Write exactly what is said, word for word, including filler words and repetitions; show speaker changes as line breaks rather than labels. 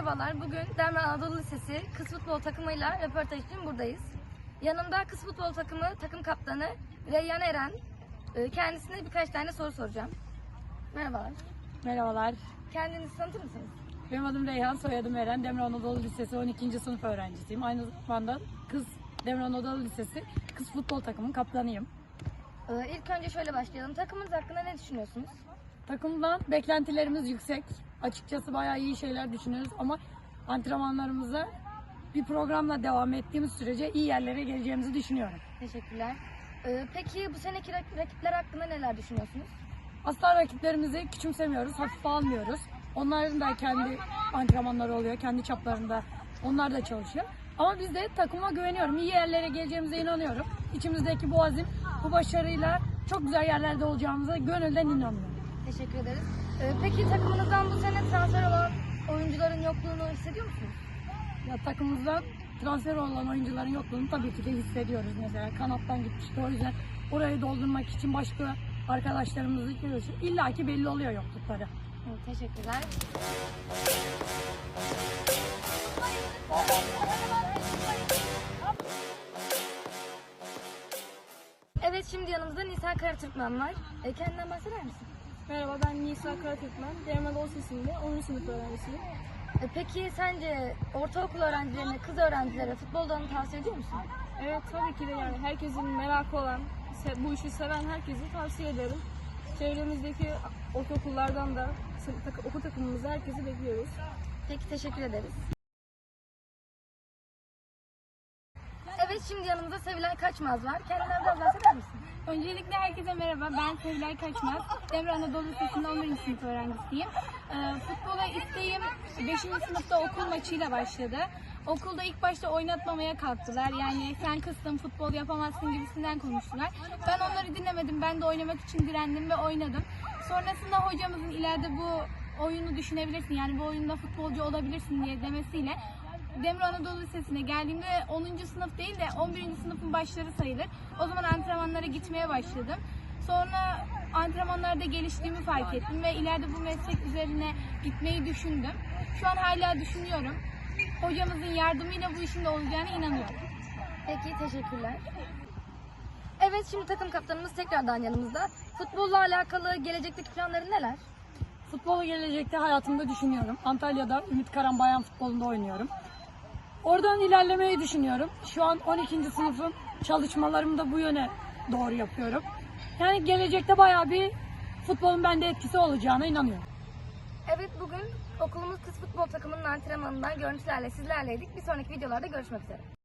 Merhabalar, bugün Demre Anadolu Lisesi kız futbol takımıyla röportaj için buradayız. Yanımda kız futbol takımı takım kaptanı Reyyan Eren. Kendisine birkaç tane soru soracağım. Merhabalar.
Merhabalar.
Kendinizi tanıtır mısınız?
Benim adım Reyhan, soyadım Eren. Demre Anadolu Lisesi on ikinci sınıf öğrencisiyim. Aynı zamanda kız Demre Anadolu Lisesi kız futbol takımının kaptanıyım.
İlk önce şöyle başlayalım. Takımınız hakkında ne düşünüyorsunuz?
Takımdan beklentilerimiz yüksek. Açıkçası bayağı iyi şeyler düşünüyoruz ama antrenmanlarımıza bir programla devam ettiğimiz sürece iyi yerlere geleceğimizi düşünüyorum.
Teşekkürler. Peki bu seneki rakipler hakkında neler düşünüyorsunuz?
Asla rakiplerimizi küçümsemiyoruz, hafife almıyoruz. Onların da kendi antrenmanları oluyor, kendi çaplarında onlar da çalışıyor. Ama biz de takıma güveniyorum, iyi yerlere geleceğimize inanıyorum. İçimizdeki bu azim, bu başarıyla çok güzel yerlerde olacağımıza gönülden inanıyorum.
Teşekkür ederiz. Peki takımınızdan bu sene transfer olan oyuncuların yokluğunu hissediyor musunuz?
Ya takımımızdan transfer olan oyuncuların yokluğunu tabii ki de hissediyoruz. Mesela kanattan gitmişti, o yüzden orayı doldurmak için başka arkadaşlarımızı görüyoruz. İlla ki belli oluyor yoklukları.
Evet, teşekkürler. Evet, şimdi yanımızda Nisa Karatürkmen var. E, kendinden bahseder misin?
Merhaba, ben Nisa Karatürkmen. Demre Anadolu Lisesi'nde onuncu sınıf öğrencisiyim.
E, peki sence ortaokul öğrencilerine, kız öğrencilere futboldan tavsiye ediyor musun?
Evet, tabii ki de yani herkesin merakı olan, bu işi seven herkese tavsiye ederim. Çevremizdeki ortaokullardan da okul takımımızda herkesi bekliyoruz.
Peki, teşekkür ederiz. Evet, şimdi yanımızda Sevilay Kaçmaz var. Kendinden biraz bahseder misin?
Öncelikle herkese merhaba. Ben Sevilay Kaçmaz. Demre Anadolu Lisesi'nde on birinci sınıf öğrencisiyim. Ee, futbola isteğim beşinci sınıfta okul maçıyla başladı. Okulda ilk başta oynatmamaya kalktılar. Yani sen kızsın, futbol yapamazsın gibisinden konuştular. Ben onları dinlemedim. Ben de oynamak için direndim ve oynadım. Sonrasında hocamızın ileride bu oyunu düşünebilirsin, yani bu oyunda futbolcu olabilirsin diye demesiyle Demre Anadolu Lisesi'ne geldiğimde onuncu sınıf değil de on birinci sınıfın başları sayılır. O zaman antrenmanlara gitmeye başladım. Sonra antrenmanlarda geliştiğimi fark ettim ve ileride bu meslek üzerine gitmeyi düşündüm. Şu an hala düşünüyorum. Hocamızın yardımıyla bu işin de olacağına inanıyorum.
Peki, teşekkürler. Evet, şimdi takım kaptanımız tekrardan yanımızda. Futbolla alakalı gelecekteki planların neler?
Futbolu gelecekte hayatımda düşünüyorum. Antalya'da Ümit Karan Bayan Futbolu'nda oynuyorum. Oradan ilerlemeyi düşünüyorum. Şu an on ikinci sınıfım. Çalışmalarımı da bu yöne doğru yapıyorum. Yani gelecekte bayağı bir futbolun bende etkisi olacağına inanıyorum.
Evet, bugün okulumuz kız futbol takımının antrenmanından görüntülerle sizlerleydik. Bir sonraki videolarda görüşmek üzere.